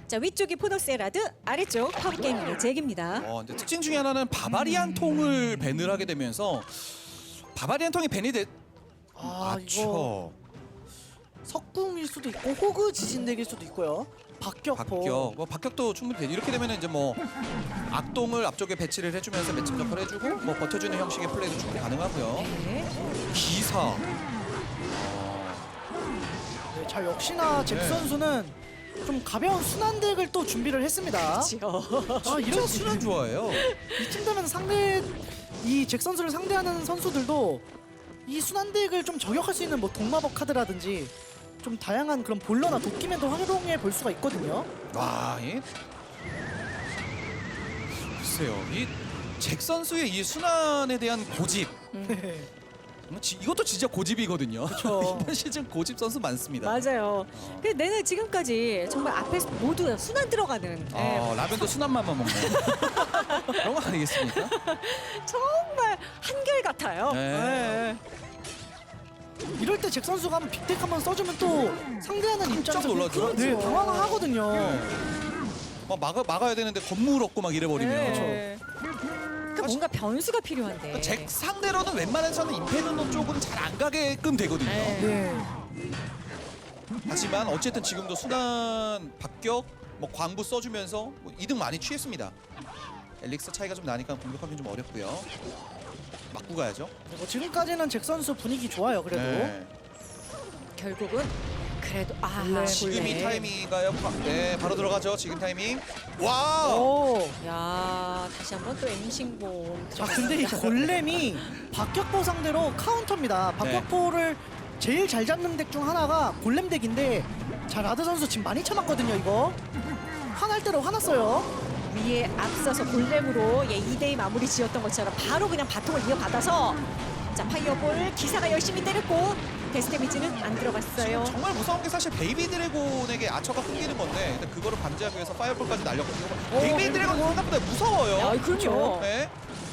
자, 위쪽이 포너스에라드, 아래쪽 파워게이밍의 잭입니다. 근데 특징 중에 하나는 바바리안 통을 밴을 하게 되면서 바바리안 통이 밴이 돼. 이거 석궁일 수도 있고 호그 지진덱일 수도 있고요. 박격포. 박격도 충분히 되죠. 이렇게 되면 이제 뭐 악동을 앞쪽에 배치를 해주면서 매칭 역할을 해주고 뭐 버텨주는 형식의 플레이도 충분히 가능하고요. 네. 기사. 네, 자 역시나 잭 네. 선수는 좀 가벼운 순환덱을 또 준비를 했습니다. 그렇죠. 이런 순환 좋아해요. 이쯤 되면 이 잭 선수를 상대하는 선수들도 이 순환덱을 좀 저격할 수 있는 뭐 동마법 카드라든지 좀 다양한 그런 볼러나 도끼맨도 활용해 볼 수가 있거든요. 와, 글쎄요, 이 잭 선수의 이 순환에 대한 고집. 네. 이것도 진짜 고집이거든요. 그쵸. 이번 시즌 고집 선수 많습니다. 맞아요. 근데 내는 지금까지 정말 앞에서 모두 순환 들어가는 라면도 순한맛만 먹는 그런 거 아니겠습니까? 정말 한결같아요. 네. 이럴 때 잭 선수가 한번 빅덱 한번 써주면 또 상대하는 입장에서 놀라죠. 네, 당황하거든요. 막 막아야 되는데 건물 없고 막 이래버리면. 네. 그러니까 뭔가 변수가 필요한데. 잭 상대로는 웬만해서는 임페르노 쪽은 잘 안 가게끔 되거든요. 네. 네. 하지만 어쨌든 지금도 순환 박격 뭐 광부 써주면서 뭐 이득 많이 취했습니다. 엘릭스 차이가 좀 나니까 공격하기 좀 어렵고요. 맞고 가야죠. 뭐 지금까지는 잭 선수 분위기 좋아요. 그래도 네. 결국은 그래도 지금 이 골렘. 타이밍인가요? 네, 바로 들어가죠. 지금 타이밍. 와! 오. 야, 다시 한번 또 엠싱봉. 자 근데 이 골렘이 박격포 상대로 카운터입니다. 박격포를 제일 잘 잡는 덱 중 하나가 골렘 덱인데 자 라드 선수 지금 많이 참았거든요. 이거 화날 대로 화났어요. 위에 앞서서 골렘으로 2대2 마무리 지었던 것처럼 바로 그냥 바통을 이어받아서 자, 파이어볼 기사가 열심히 때렸고 데스 데미지는 안 들어갔어요. 지금 정말 무서운 게 사실 베이비 드래곤에게 아처가 끊기는 건데 근데 그거를 방지하기 위해서 파이어볼까지 날렸거든요. 베이비 드래곤 생각보다 무서워요. 야, 그럼요. 네.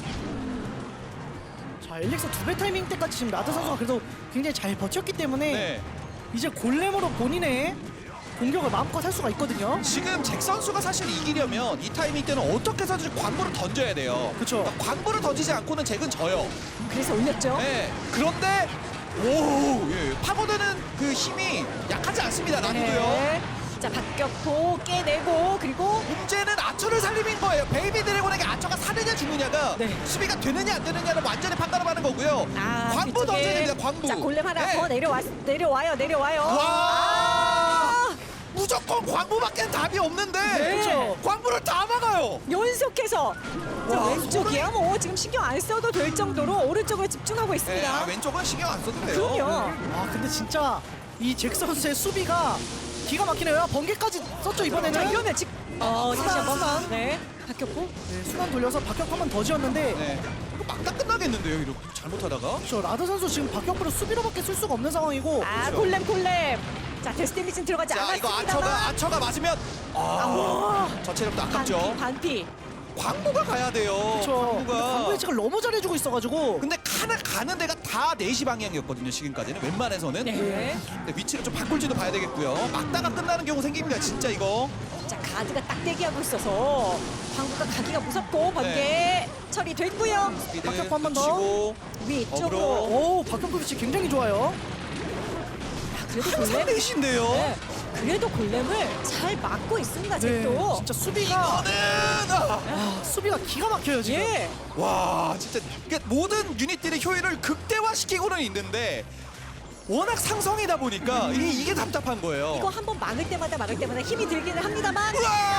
자 엘릭서 2배 타이밍 때까지 지금 라드 선수가 그래도 굉장히 잘 버텼기 때문에 네. 이제 골렘으로 본인의 공격을 마음껏 할 수가 있거든요. 지금 잭 선수가 사실 이기려면 이 타이밍 때는 어떻게 해서든 광부를 던져야 돼요. 그쵸. 그러니까 광부를 던지지 않고는 잭은 져요. 그래서 올렸죠. 네. 그런데 오, 파고드는 그 힘이 약하지 않습니다. 나도요. 네. 자, 박격포 깨내고 그리고 문제는 아처를 살리는 거예요. 베이비 드래곤에게 아처가 사느냐 죽느냐가 네. 수비가 되느냐 안 되느냐는 완전히 판가름하는 거고요. 광부 뒤쪽에. 던져야 됩니다. 광부. 자, 골렘 하나 네. 더 내려와요. 와! 무조건 광부밖에 답이 없는데 네. 광부를 다 막아요. 연속해서 자, 와, 왼쪽이야 뭐 지금 신경 안 써도 될 정도로 오른쪽을 집중하고 네, 있습니다. 왼쪽은 신경 안 써도 돼요. 그럼요. 아 근데 진짜 이 잭 선수의 수비가 기가 막히네요. 번개까지 썼죠 이번에는. 자, 이러면 지금 다시 한번 순환. 네, 박격포. 네, 순환 돌려서 박격 한 번 더 지었는데 네. 이거 막다 끝나겠는데요. 이렇게 잘못하다가. 저 라드 선수 지금 박격포를 수비로밖에 쓸 수가 없는 상황이고 아, 그렇죠. 골렘. 자, 데스 데미지는 들어가지 자, 이거 않았습니다만. 아처가 맞으면 저 체력도 아깝죠. 반피. 광부가 가야 돼요. 그렇죠. 광부가. 광부의 책을 너무 잘해주고 있어가지고 근데 가는 데가 다 4시 방향이었거든요. 지금까지는 웬만해서는. 네. 근데 위치를 좀 바꿀지도 봐야 되겠고요. 막다가 끝나는 경우 생깁니다. 진짜 이거. 자, 가드가 딱 대기하고 있어서 광부가 가기가 무섭고 번개 네. 처리됐고요. 스피드 박격포 한번 더. 붙이고. 위쪽으로. 어그로. 오 박격포 위치 굉장히 좋아요. 아, 그래도 항상 골렘. 4시인데요. 네. 그래도 골렘을 잘 막고 있습니다. 잭도. 진짜 수비가 수비가 기가 막혀요 지금. 예. 와 진짜 이게 모든 유닛들의 효율을 극대화시키고는 있는데 워낙 상성이다 보니까 이게 답답한 거예요. 이거 한번 막을 때마다 힘이 들기는 합니다만.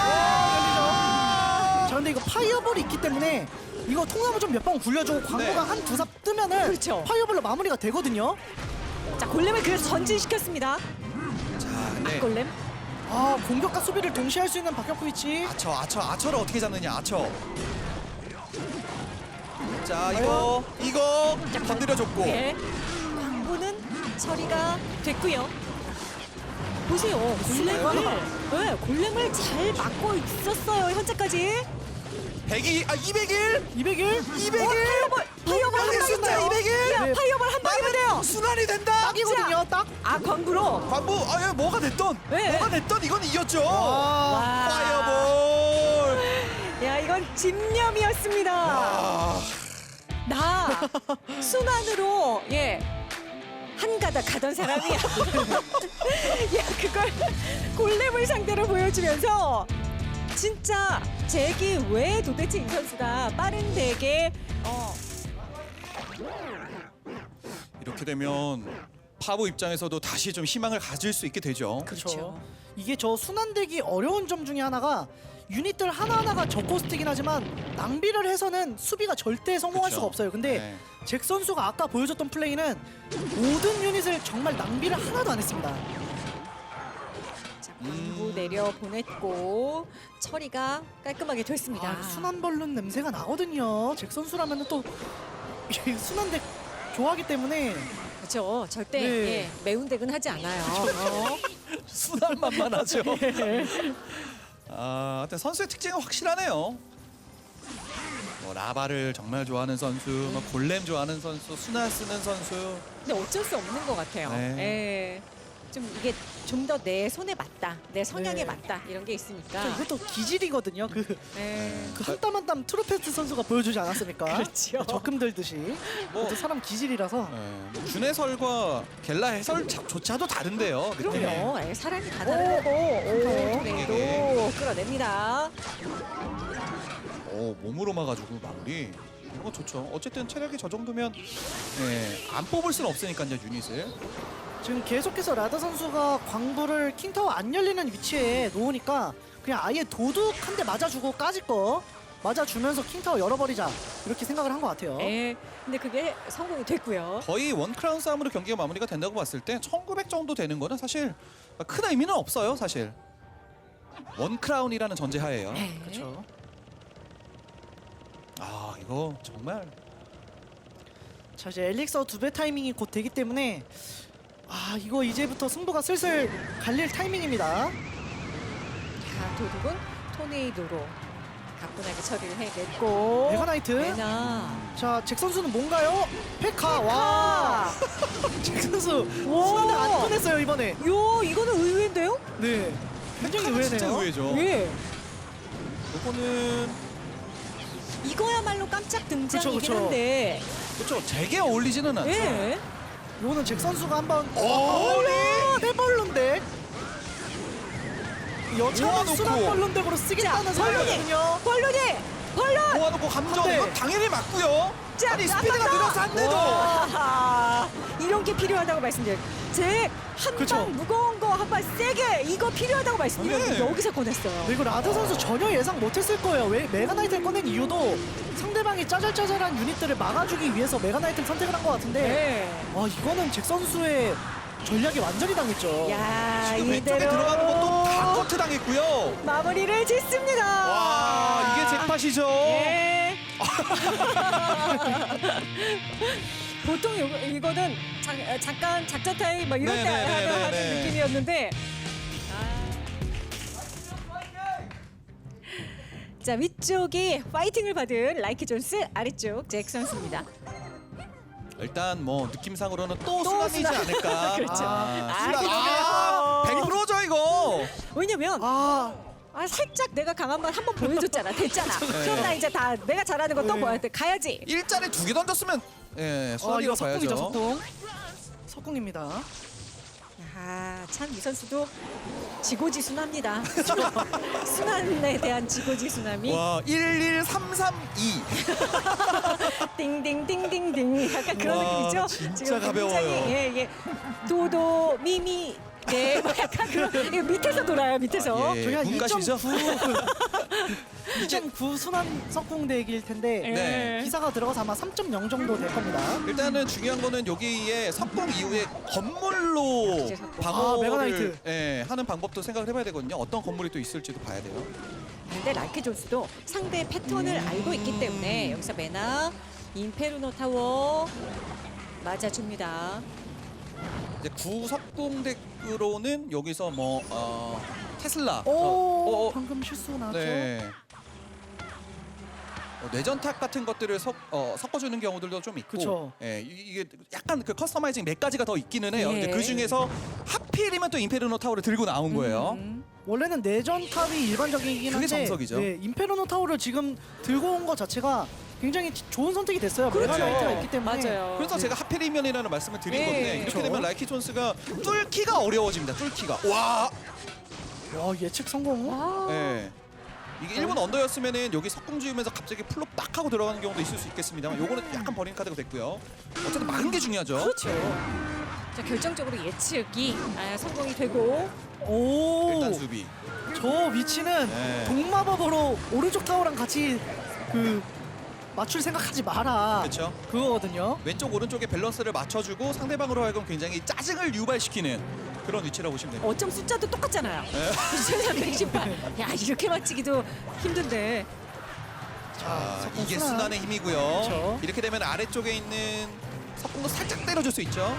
자 근데 이거 파이어볼이 있기 때문에 이거 통나무 좀 몇 번 굴려주고 광고가 네. 한 두 삽 뜨면은 그렇죠. 파이어볼로 마무리가 되거든요. 자, 골렘을 그래서 전진시켰습니다. 자, 네. 골렘. 아 공격과 수비를 동시에 할 수 있는 박격포 위치. 아처를 어떻게 잡느냐 아처. 자 이거 건드려줬고. 네. 광부는 처리가 됐고요. 보세요. 골렘을 잘 막고 있었어요. 현재까지. 200일 200일 200일 파이어볼 한 방이면 숫자 돼요. 201. 야, 네. 파이어볼 한 방이면 돼요. 순환이 된다. 딱이거든요. 딱. 아, 광부로. 관부 아 뭐가 됐던 네. 뭐가 됐던 이건 이겼죠. 와. 파이어볼. 야, 이건 집념이었습니다. 아, 나 순환으로 한 가닥 가던 사람이야. 야, 그걸 골렘을 상대로 보여주면서 진짜 잭이 왜 도대체 이 선수가 빠른 덱에 이렇게 되면 파브 입장에서도 다시 좀 희망을 가질 수 있게 되죠. 그렇죠. 이게 저 순환되기 어려운 점 중에 하나가 유닛들 하나하나가 저코스트긴 하지만 낭비를 해서는 수비가 절대 성공할 그쵸. 수가 없어요. 근데 네. 잭 선수가 아까 보여줬던 플레이는 모든 유닛을 정말 낭비를 하나도 안 했습니다. 자, 광부 내려 보냈고 처리가 깔끔하게 됐습니다. 아, 순환벌룬 냄새가 나거든요. 잭 선수라면 또 순환덱 좋아하기 때문에 그렇죠. 절대 네. 매운 덱은 하지 않아요. 순환만만 하죠. 아, 하여튼 선수의 특징은 확실하네요. 뭐 라바를 정말 좋아하는 선수, 뭐 골렘 좋아하는 선수, 순환 쓰는 선수. 근데 어쩔 수 없는 것 같아요. 네. 예. 좀 이게 좀 더 내 손에 맞다, 내 성향에 네. 맞다 이런 게 있으니까. 이것도 기질이거든요. 예. 그 한 땀 한 땀 트로페스트 선수가 보여주지 않았습니까? 그렇죠. 적금 들듯이. 뭐 그것도 사람 기질이라서. 뭐 준 해설과 겔라 해설조차도 다른데요. 느낌이. 그럼요. 예, 사람이 다 다른 거고. 토네이도 끌어냅니다. 몸으로 막아주고 마무리. 이거 좋죠. 어쨌든 체력이 저 정도면 안 뽑을 수는 없으니까 이제 유닛을. 지금 계속해서 라다 선수가 광부를 킹타워 안 열리는 위치에 놓으니까 그냥 아예 도둑 한 대 맞아주고 까짓 거 맞아주면서 킹타워 열어버리자 이렇게 생각을 한 것 같아요. 예. 근데 그게 성공이 됐고요. 거의 원크라운 싸움으로 경기가 마무리가 된다고 봤을 때 1900 정도 되는 거는 사실 큰 의미는 없어요. 사실 원크라운이라는 전제하에요. 네. 그렇죠. 아 이거 정말 자 이제 엘릭서 2배 타이밍이 곧 되기 때문에 아 이거 이제부터 승부가 슬슬 갈릴 타이밍입니다. 자, 도둑은 토네이도로 가뿐하게 처리를 해냈고. 메가나이트. 메나. 자 잭 선수는 뭔가요? 페카. 와. 잭 선수 와. 순환을 안 꺼냈어요 이번에. 요, 이거는 의외인데요? 네. 굉장히 의외네요. 진짜 의외죠. 예. 이거는 이거야말로 깜짝 등장이긴 그쵸, 그쵸. 한데. 그렇죠. 제게 어울리지는 않죠. 예. 이거는 잭 선수가 한번 오, 해벌룬데 여차는 모아놓고. 순환벌룬덱으로 쓰겠다는 자, 벌룬이! 생각이거든요. 벌룬이! 벌룬! 모아놓고 감정 네. 이거 당연히 맞고요. 자, 아니 스피드가 나간다! 늘어서 안 돼도. 와, 이런 게 필요하다고 말씀드려요. 잭, 한 그쵸. 방 무거운 거 한 방 세게 이거 필요하다고 말씀드렸는데 네. 여기서 꺼냈어요. 그리고 라드 선수 전혀 예상 못했을 거예요. 왜 메가나이트를 꺼낸 이유도 상대방이 짜잘짜잘한 유닛들을 막아주기 위해서 메가나이트를 선택을 한 것 같은데 네. 와 이거는 잭 선수의 전략이 완전히 당했죠. 야, 지금 왼쪽에 이대로 들어가는 것도 다 커트 당했고요. 마무리를 짓습니다. 와 이게 잭팟이죠. 예. 보통 이거는 잠깐 작전 타임 막 이럴 때 하는 네네네네네. 느낌이었는데. 자, 위쪽이 파이팅을 받은 라이크 존스, 아래쪽 잭 선수입니다. 일단 뭐 느낌상으로는 또 또 순환이지 순환. 않을까. 그렇죠. 순환. 그러게요. 100%죠 이거. 왜냐면 살짝 내가 강한 말 한번 보여줬잖아. 됐잖아. 그럼 나 이제 다 내가 잘하는 거 또 네. 보여야 가야지. 일자리 2개 던졌으면 순환이라고 이거 석궁이죠 봐야죠. 석궁. 석궁입니다. 아, 참 이 선수도 지고지순합니다. 순환에 대한 지고지순함이 와 11332. 띵띵띵띵띵 약간 그런 와, 느낌이죠. 진짜 지금 가벼워요. 굉장히, 예. 도도 미미 네, 뭐 약간 그런 이거 밑에서 돌아요. 밑에서. 예, 저기 한 분가시죠? 2.9 순환 석궁덱일 텐데 네. 기사가 들어가서 아마 3.0 정도 될 겁니다. 일단은 중요한 거는 여기에 석궁 이후에 건물로 이제 석궁. 방어를 메가나이트. 하는 방법도 생각을 해봐야 되거든요. 어떤 건물이 또 있을지도 봐야 돼요. 근데 라이크 존스도 상대의 패턴을 알고 있기 때문에 여기서 메나 인페르노 타워 맞아줍니다. 이제 구석궁덱으로는 여기서 뭐 테슬라. 오, 어, 어. 방금 실수 나왔죠. 네. 뇌전탁 같은 것들을 섞어주는 경우들도 좀 있고, 그쵸. 예, 이게 약간 그 커스터마이징 몇 가지가 더 있기는 해요. 예. 근데 그 중에서 하필이면 또 임페르노 타워를 들고 나온 거예요. 원래는 내전 탑이 일반적이긴 한데 그게 정석이죠. 네, 임페르노 타워를 지금 들고 온 것 자체가 굉장히 좋은 선택이 됐어요. 그렇죠. 메가나이트가 있기 때문에. 맞아요. 그래서 제가 하필이면이라는 말씀을 드린 예. 건데 이렇게 그쵸. 되면 라이키 존스가 뚫기가 어려워집니다. 뚫기가. 와, 와 예측 성공. 와. 예. 이게 1분 언더였으면은 여기 석궁 지으면서 갑자기 풀로 빡 하고 들어가는 경우도 있을 수 있겠습니다만 요거는 약간 버린 카드가 됐고요. 어쨌든 막은 게 중요하죠. 그렇죠. 자 결정적으로 예측이 성공이 되고 오. 일단 수비. 저 위치는 네. 동마법으로 오른쪽 타워랑 같이 그 맞출 생각하지 마라. 그렇죠. 그거거든요. 왼쪽 오른쪽에 밸런스를 맞춰주고 상대방으로 하여금 굉장히 짜증을 유발시키는 그런 위치라고 보시면 됩니다. 어쩜 숫자도 똑같잖아요. 네. 2318. 야 이렇게 맞히기도 힘든데. 자, 석궁 이게 순환. 순환의 힘이고요. 그쵸. 이렇게 되면 아래쪽에 있는 석궁도 살짝 때려줄 수 있죠.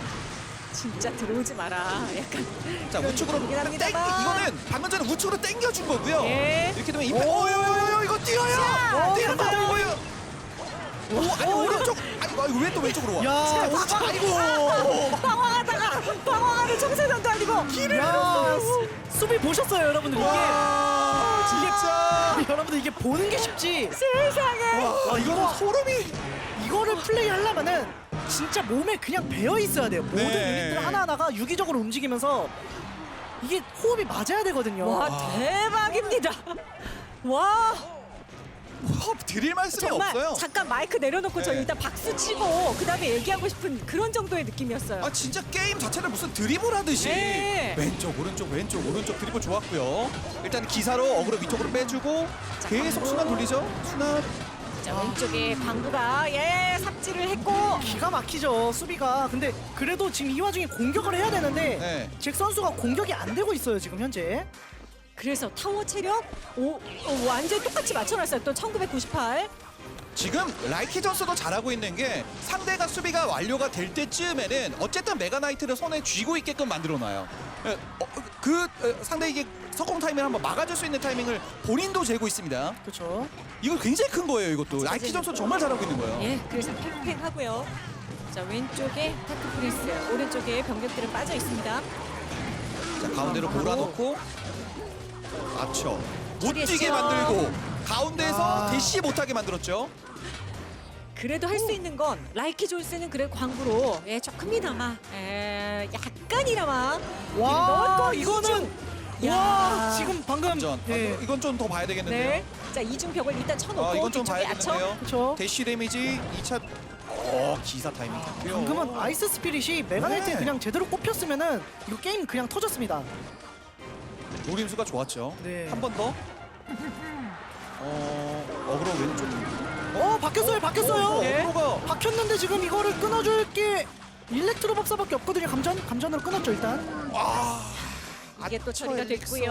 진짜 들어오지 마라. 약간 자, 그런 우측으로 느낌이긴 땡, 합니다만. 이거는 방금 전에 우측으로 땡겨준 거고요. 예. 이렇게 되면 임팩. 오요요요 이거 뛰어요. 자, 뛰는 거 들어가요. 보여요. 오, 아니 오른쪽. 아이고 왜 또 왼쪽으로 와? 야, 오른쪽. 아이고. 방황하는 청소년도 아니고 야, 수비 보셨어요, 여러분들? 와, 진짜. 여러분들 이게 보는 게 쉽지. 세상에. 와, 이거는 소름이. 이거를 플레이하려면은 진짜 몸에 그냥 배어 있어야 돼요. 모든 네. 유닛들 하나하나가 유기적으로 움직이면서 이게 호흡이 맞아야 되거든요. 와 대박입니다. 와 드릴 말씀이 정말 없어요. 잠깐 마이크 내려놓고 저 네. 일단 박수 치고 그다음에 얘기하고 싶은 그런 정도의 느낌이었어요. 아 진짜 게임 자체를 무슨 드리블 하듯이 네. 왼쪽 오른쪽 왼쪽 오른쪽 드리블 좋았고요. 일단 기사로 어그로 위쪽으로 빼주고 계속 광부. 순환 돌리죠. 순환. 자 왼쪽에 광부가 삽질을 했고 기가 막히죠, 수비가. 근데 그래도 지금 이 와중에 공격을 해야 되는데 네. 잭 선수가 공격이 안 되고 있어요, 지금 현재. 그래서 타워 체력 완전 똑같이 맞춰놨어요. 또 1998. 지금 라이키 전스도 잘하고 있는 게 상대가 수비가 완료가 될 때쯤에는 어쨌든 메가나이트를 손에 쥐고 있게끔 만들어놔요. 상대에게 석공 타이밍을 한번 막아줄 수 있는 타이밍을 본인도 재고 있습니다. 그렇죠. 이거 굉장히 큰 거예요. 이것도 라이키 전스 정말 잘하고 있는 거예요. 예, 그래서 팽팽하고요. 자 왼쪽에 타크 프레스, 오른쪽에 병력들은 빠져 있습니다. 자, 가운데로 몰아넣고 맞춰 못 처리했죠. 뛰게 만들고 가운데에서 아. 대시 못하게 만들었죠. 그래도 할 수 있는 건 라이키 존스는 그래 광부로 조금이나마 약간이나마 와, 넣었고 이거는 야. 와, 지금 방금 전 예. 이건 좀 더 봐야 되겠는데요. 네. 자 이중 벽을 일단 쳐놓고 이건 좀 뒤쪽에 봐야겠는데요. 그쵸. 대시 데미지 2차 기사 타이밍 좋고요. 방금은 아이스 스피릿이 메가나이트에 네. 그냥 제대로 꼽혔으면은 이거 게임 그냥 터졌습니다. 노림수가 좋았죠. 네. 한 번 더. 어그로 왼쪽. 바뀌었어요. 네. 어그로가 박혔는데 지금 이거를 끊어줄 게 일렉트로 법사밖에 없거든요. 감전으로 끊었죠 일단. 이게 또 처리가 엘릭서. 됐고요.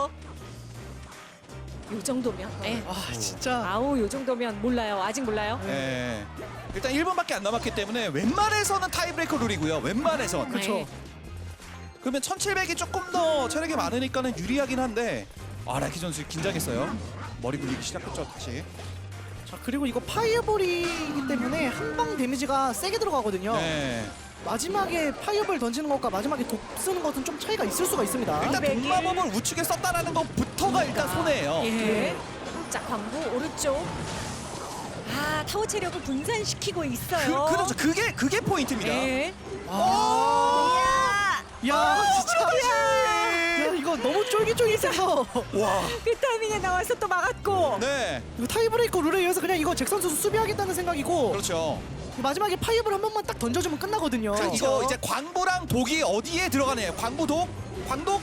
요 정도면 아 진짜. 아우 요 정도면 몰라요. 아직 몰라요. 네. 일단 1분밖에 안 남았기 때문에 웬만해서는 타이브레이커 룰이고요. 웬만해선. 그쵸. 네. 그러면 1700이 조금 더 체력이 많으니까는 유리하긴 한데 라이키 선수 긴장했어요. 머리 굴리기 시작했죠 다시. 자 그리고 이거 파이어볼이기 때문에 한 방 데미지가 세게 들어가거든요. 네. 마지막에 파이어볼 던지는 것과 마지막에 독 쓰는 것은 좀 차이가 있을 수가 있습니다. 일단 백일. 동마법을 우측에 썼다라는 것부터가 일단 손해예요. 예. 자 광부 오른쪽. 타워 체력을 분산시키고 있어요. 그렇죠. 그게 포인트입니다. 예. 야 진짜. 야 이거 너무 쫄깃쫄깃해서. 와. 그 타이밍에 나와서 또 막았고. 네. 이거 타이브레이커 룰에 의해서 그냥 이거 잭 선수 수비하겠다는 생각이고 그렇죠. 마지막에 파이어볼 한 번만 딱 던져주면 끝나거든요. 이거 이제 광부랑 독이 어디에 들어가네요. 광부독, 광독이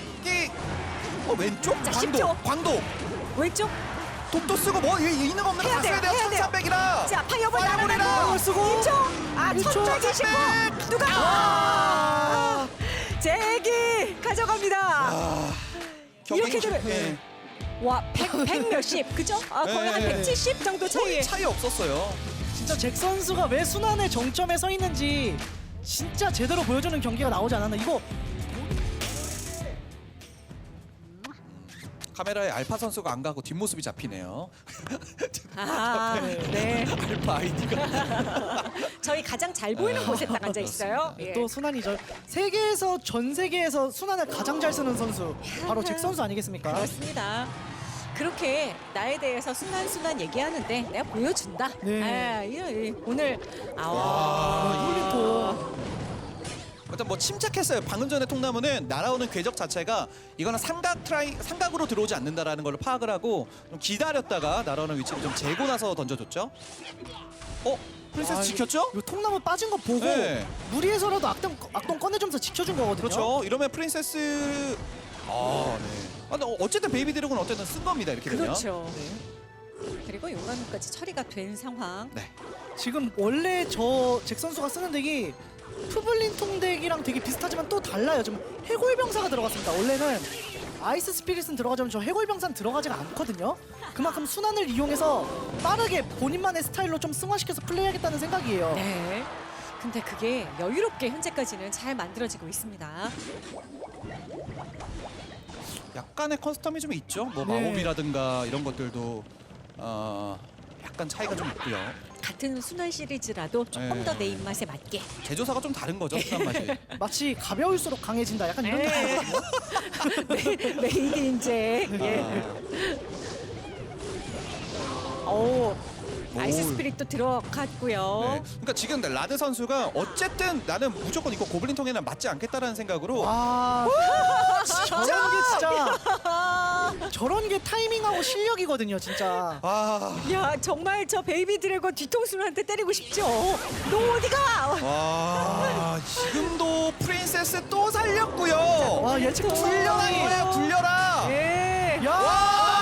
왼쪽? 자, 광독, 10초. 광독. 왼쪽. 독도 쓰고 뭐 있는 거 없는 거 해야 다 써야 돼요. 돼요. 1300이라. 자 파이어볼 파이어볼이라. 날아내고 쓰고. 2초. 1초. 1129. 누가? 제기 가져갑니다. 이렇게 되면 예. 와 100 몇십 그죠? 거의 한 네. 170 정도 차이에. 거의 차이 없었어요. 진짜 잭 선수가 왜 순환의 정점에 서 있는지 진짜 제대로 보여주는 경기가 나오지 않았나. 이거 카메라에 알파 선수가 안 가고 뒷모습이 잡히네요. 아, 네. 알파 아이디가. 저희 가장 잘 보이는 곳에 딱 앉아 있어요. 예. 또 순환이죠. 세계에서 전 세계에서 순환을 가장 잘 쓰는 선수 바로 잭 선수 아니겠습니까? 그렇습니다. 그렇게 나에 대해서 순한 얘기하는데 내가 보여준다. 네. 아, 오늘 홀리토. 일단 뭐 침착했어요. 방금 전에 통나무는 날아오는 궤적 자체가 이거는 삼각으로 들어오지 않는다라는 걸 파악을 하고 좀 기다렸다가 날아오는 위치를 좀 재고 나서 던져줬죠. 프린세스 아, 지켰죠? 이 통나무 빠진 거 보고 네. 무리해서라도 악동 꺼내주면서 지켜준 거거든요. 그렇죠. 이러면 프린세스 네. 근데 어쨌든 베이비 드래곤은 어쨌든 쓴 겁니다. 이렇게 되면. 그렇죠. 그리고 용감까지 처리가 된 상황. 네. 지금 원래 저 잭 선수가 쓰는 덱이 푸블린 통덱이랑 되게 비슷하지만 또 달라요. 좀 해골병사가 들어갔습니다. 원래는 아이스 스피릿은 들어가자면 저 해골병사는 들어가지가 않거든요. 그만큼 순환을 이용해서 빠르게 본인만의 스타일로 좀 승화시켜서 플레이하겠다는 생각이에요. 네. 근데 그게 여유롭게 현재까지는 잘 만들어지고 있습니다. 약간의 커스텀이 좀 있죠. 뭐 네. 마법이라든가 이런 것들도 약간 차이가 좀 있고요. 같은 순환 시리즈라도 조금 네. 더 내 입맛에 맞게. 제조사가 좀 다른 거죠. 순한 맛이. 마치 가벼울수록 강해진다. 약간 이런 네. 느낌이거든요. 메이드 인제. 예. 오. 아이스 오. 스피릿도 들어갔고요. 네. 그러니까 지금 라드 선수가 어쨌든 나는 무조건 이거 고블린 통에는 맞지 않겠다라는 생각으로 와, 저런 게 진짜 저런 게 타이밍하고 실력이거든요, 진짜. 야 정말 저 베이비 드래곤 뒤통수한테 때리고 싶죠. 너 어디가? 와 지금도 프린세스 또 살렸고요. 와, 예측 굴려라 이거야 굴려라. 예. 야, 와!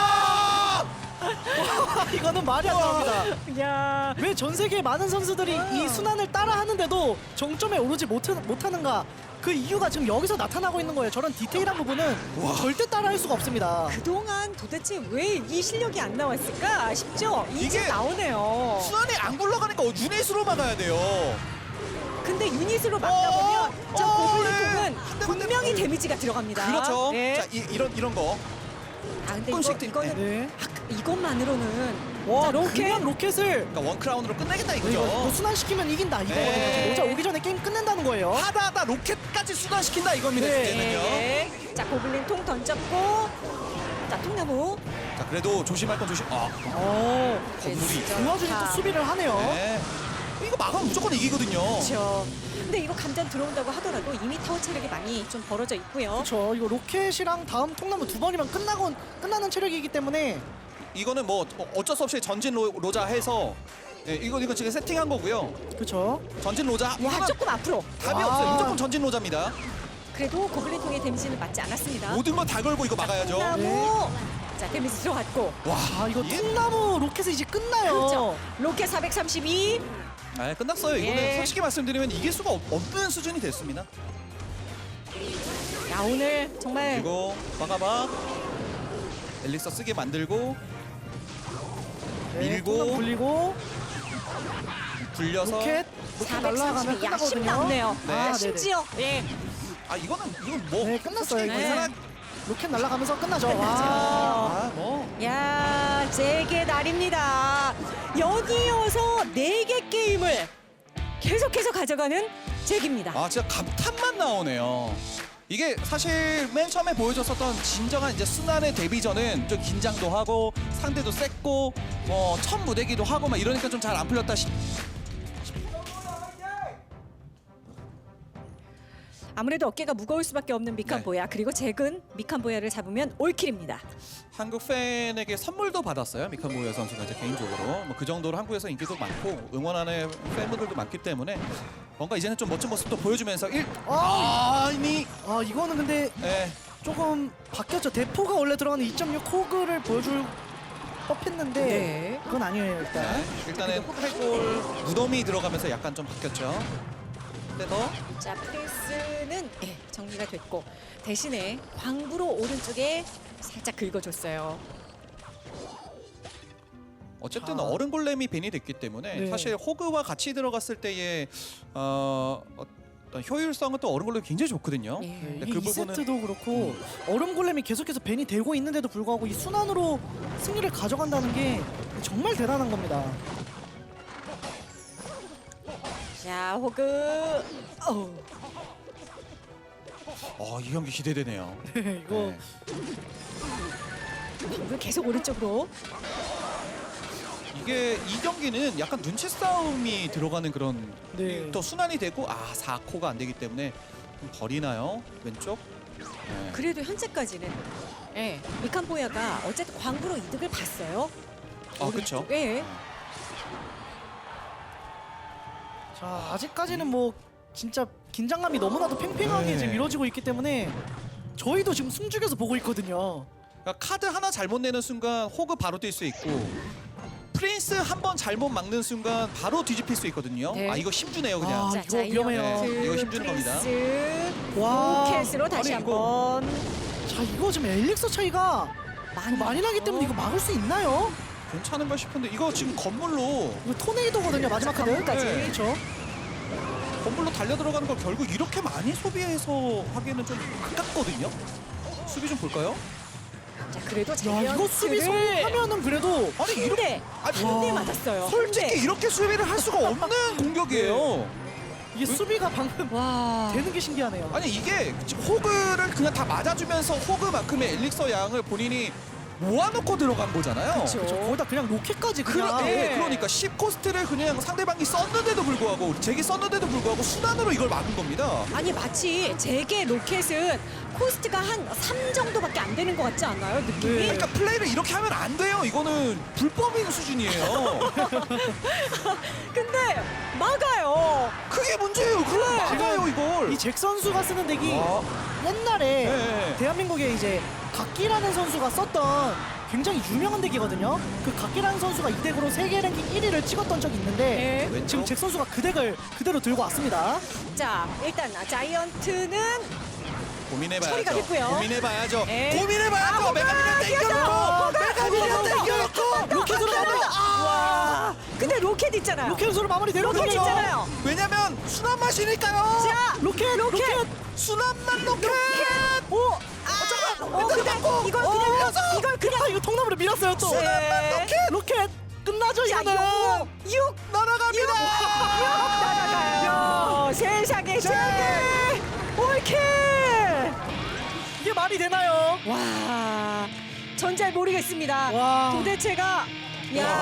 이거는 말이 안 나옵니다. 야. 왜 전 세계 많은 선수들이 이 순환을 따라 하는데도 정점에 오르지 못하는가? 그 이유가 지금 여기서 나타나고 있는 거예요. 저런 디테일한 부분은 절대 따라할 수가 없습니다. 그동안 도대체 왜 이 실력이 안 나왔을까 싶죠? 이제 이게 나오네요. 순환이 안 굴러가니까 유닛으로 막아야 돼요. 근데 유닛으로 막다 보면 저 고블린통은 네. 분명히 데미지가 들어갑니다. 그렇죠. 예. 자 이런 거. 아 근데 조금씩 이거는 네. 이것만으로는 와, 자, 로켓 그냥 로켓을 그러니까 원 크라운으로 끝내겠다 이거죠. 이거 뭐 순환시키면 이긴다 이거거든요. 네. 지금 오자 오기 전에 게임 끝낸다는 거예요. 하다하다 로켓까지 순환시킨다 이겁니다. 네. 이제는요. 네. 자 고블린 통 던졌고 자 통나무 자 그래도 조심할 건 조심. 건물이. 진짜 그 와중에 또 좋다. 수비를 하네요. 네. 이거 막으면 무조건 이기거든요. 그렇죠. 근데 이거 감전 들어온다고 하더라도 이미 타워 체력이 많이 좀 벌어져 있고요. 그렇죠. 이거 로켓이랑 다음 통나무 두 번이면 끝나는 체력이기 때문에 이거는 뭐 어쩔 수 없이 전진 로자 해서 이거 지금 세팅한 거고요. 그렇죠. 전진 로자 와 이거는 조금 앞으로. 답이 아. 없어요. 무조건 전진 로자입니다. 그래도 고블린 통의 데미지는 맞지 않았습니다. 모든 거 다 걸고 이거 막아야죠. 통나무. 네. 자 데미지 들어갔고. 와 아, 이거 이게- 통나무 로켓이 이제 끝나요. 그렇죠. 로켓 432. 아, 끝났어요. 이거는 예. 솔직히 말씀드리면 이길 수가 없는 수준이 됐습니다. 야 오늘 정말 그리고 막아봐. 엘릭서 쓰게 만들고 네, 밀고. 통나무 굴리고 굴려서 로켓 날라가면 432. 야, 10 끝나거든요. 남네요. 네. 아, 네네. 심지어 예. 이건 뭐 네, 끝났어요. 솔직히 이거. 네. 계산한 로켓 날아가면서 끝나죠. 와. 뭐 야, 제게 날입니다. 여기여서 4개 게임을 계속해서 가져가는 잭입니다. 아 진짜 감탄만 나오네요. 이게 사실 맨 처음에 보여줬었던 진정한 이제 순환의 데뷔전은 좀 긴장도 하고 상대도 셌고 뭐 첫 무대기도 하고 막 이러니까 좀 잘 안 풀렸다 아무래도 어깨가 무거울 수밖에 없는 미칸보야. 그리고 잭은 미칸보야를 잡으면 올킬입니다. 한국 팬에게 선물도 받았어요. 미칸보야 선수가 이제 개인적으로 뭐 그 정도로 한국에서 인기도 많고 응원하는 팬분들도 많기 때문에 뭔가 이제는 좀 멋진 모습도 보여주면서 이미 아, 이거는 근데 예. 조금 바뀌었죠. 대포가 원래 들어가는 2.6 호그를 보여줄 법했는데 네. 그건 아니에요 일단. 네. 일단은 해골 무덤이 들어가면서 약간 좀 바뀌었죠. 근데 더 자, 프레스는 예, 정리가 됐고 대신에 광부로 오른쪽에 살짝 긁어줬어요. 어쨌든 아. 어른 골렘이 벤이 됐기 때문에 네. 사실 호그와 같이 들어갔을 때의 어떤 효율성은 또 얼음 골렘 굉장히 좋거든요. 예. 네, 그 이게 부분은- 2세트도 그렇고 얼음 골렘이 계속해서 벤이 되고 있는데도 불구하고 이 순환으로 승리를 가져간다는 게 정말 대단한 겁니다. 자, 호그. 어우. 이 경기 기대되네요. 이거 네. 이거 계속 오른쪽으로. 이게 이 경기는 약간 눈치 싸움이 들어가는 그런 네. 또 순환이 되고 4코가 안 되기 때문에 좀 버리나요? 왼쪽? 네. 그래도 현재까지는 미칸보야가 어쨌든 광부로 이득을 봤어요. 그렇죠. 예. 자, 아직까지는 뭐 진짜 긴장감이 너무나도 팽팽하게 네. 지금 이루어지고 있기 때문에 저희도 지금 숨죽여서 보고 있거든요. 그러니까 카드 하나 잘못 내는 순간 호그 바로 뛸 수 있고 프린스 한 번 잘못 막는 순간 바로 뒤집힐 수 있거든요. 네. 이거 힘주네요 그냥. 아, 이거 위험해요. 네, 이거 힘주는 겁니다. 와, 로켓으로 다시 아니, 한번. 자, 이거 지금 엘릭서 차이가 많이 나기 때문에 이거 막을 수 있나요? 괜찮은가 싶은데 이거 지금 건물로 이거 토네이도거든요, 마지막 카드. 건물까지. 네. 그렇죠. 건물로 달려 들어가는 걸 결국 이렇게 많이 소비해서 하기에는 좀 아깝거든요. 수비 좀 볼까요? 자, 그래도 야, 이거 수비 성공하면은 그래도 아니 이렇게 한 대 맞았어요. 솔직히 한 대. 이렇게 수비를 할 수가 없는 공격이에요. 이게 수비가 방금 와. 되는 게 신기하네요. 아니 이게 지금 호그를 그냥 다 맞아주면서 호그만큼의 엘릭서 양을 본인이 모아놓고 들어간 거잖아요. 그쵸. 그렇죠. 거기다 그냥 로켓까지 그냥. 네. 그러니까 10코스트를 그냥 상대방이 썼는데도 불구하고 제기 썼는데도 불구하고 순환으로 이걸 막은 겁니다. 아니 마치 제게 로켓은 코스트가 한 3 정도밖에 안 되는 것 같지 않아요? 느낌이? 네. 그러니까 플레이를 이렇게 하면 안 돼요. 이거는 불법인 수준이에요. 근데 막아요. 그게 문제예요. 그걸 막아요 이걸. 이 잭 선수가 쓰는 덱이 와. 옛날에 네. 대한민국에 이제 각기라는 선수가 썼던 굉장히 유명한 덱이거든요. 그 각기라는 선수가 이 덱으로 세계 랭킹 1위를 찍었던 적이 있는데 네. 지금 잭 선수가 그 덱을 그대로 들고 왔습니다. 자, 일단 자이언트는 고민해봐야죠. 처리가겠고요. 고민해봐야죠. 네. 고민해봐야죠. 메가미는 땡겨놓고 메가미는 땡겨놓고 로켓으로 마무리. 와. 근데 로켓 있잖아요. 로켓으로 마무리 로켓 되거든요. 있잖아요. 왜냐면 순환 맛이니까요. 자, 로켓. 순환만 로켓. 오. 잠깐만. 근데 이걸 그냥 이걸 그냥 아, 이거 통나무로 밀었어요 또. 네. 로켓 끝나죠 자, 이거는. 6 날아갑니다. 날아가요. 세상에 세계 올킬. 이게 말이 되나요? 와, 전 잘 모르겠습니다. 와. 도대체가 야.